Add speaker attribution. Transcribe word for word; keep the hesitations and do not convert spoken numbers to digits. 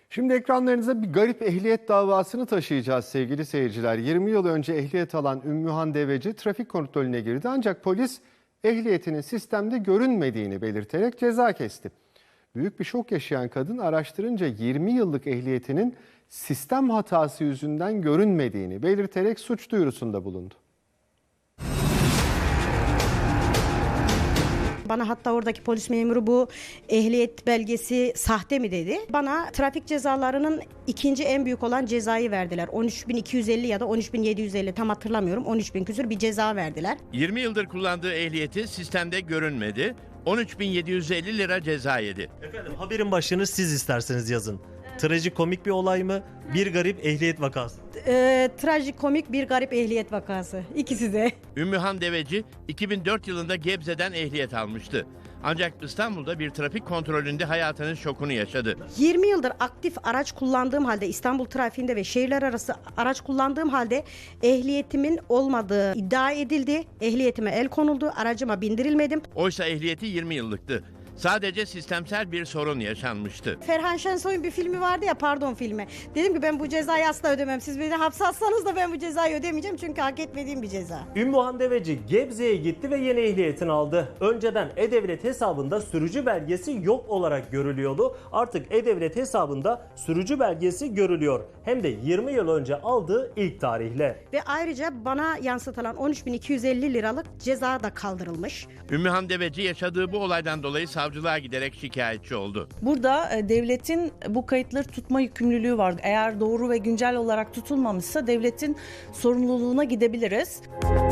Speaker 1: Şimdi ekranlarınıza bir garip ehliyet davasını taşıyacağız sevgili seyirciler. yirmi yıl önce ehliyet alan Ümmühan Deveci trafik kontrolüne girdi ancak polis ehliyetinin sistemde görünmediğini belirterek ceza kesti. Büyük bir şok yaşayan kadın araştırınca yirmi yıllık ehliyetinin sistem hatası yüzünden görünmediğini belirterek suç duyurusunda bulundu.
Speaker 2: Bana hatta oradaki polis memuru bu ehliyet belgesi sahte mi dedi. Bana trafik cezalarının ikinci en büyük olan cezayı verdiler. on üç bin iki yüz elli ya da on üç bin yedi yüz elli tam hatırlamıyorum. on üç bin küsur bir ceza verdiler.
Speaker 3: yirmi yıldır kullandığı ehliyeti sistemde görünmedi. on üç bin yedi yüz elli lira ceza yedi.
Speaker 4: Efendim haberin başlığını siz isterseniz yazın. Trajikomik bir olay mı? Bir garip ehliyet vakası.
Speaker 2: Ee, trajikomik bir garip ehliyet vakası. İkisi de.
Speaker 3: Ümmühan Deveci iki bin dört yılında Gebze'den ehliyet almıştı. Ancak İstanbul'da bir trafik kontrolünde hayatının şokunu yaşadı.
Speaker 2: yirmi yıldır aktif araç kullandığım halde İstanbul trafiğinde ve şehirler arası araç kullandığım halde ehliyetimin olmadığı iddia edildi. Ehliyetime el konuldu. Aracıma bindirilmedim.
Speaker 3: Oysa ehliyeti yirmi yıllıktı. Sadece sistemsel bir sorun yaşanmıştı.
Speaker 2: Ferhan Şensoy'un bir filmi vardı ya, pardon filmi. Dedim ki ben bu cezayı asla ödemem. Siz beni hapse atsanız da ben bu cezayı ödemeyeceğim çünkü hak etmediğim bir ceza.
Speaker 4: Ümmühan Deveci Gebze'ye gitti ve yeni ehliyetini aldı. Önceden E-Devlet hesabında sürücü belgesi yok olarak görülüyordu. Artık E-Devlet hesabında sürücü belgesi görülüyor. Hem de yirmi yıl önce aldığı ilk tarihle.
Speaker 2: Ve ayrıca bana yansıtılan on üç bin iki yüz elli liralık ceza da kaldırılmış.
Speaker 3: Ümmühan Deveci yaşadığı bu olaydan dolayı savcılığa giderek şikayetçi oldu.
Speaker 5: Burada e, devletin bu kayıtları tutma yükümlülüğü var. Eğer doğru ve güncel olarak tutulmamışsa devletin sorumluluğuna gidebiliriz.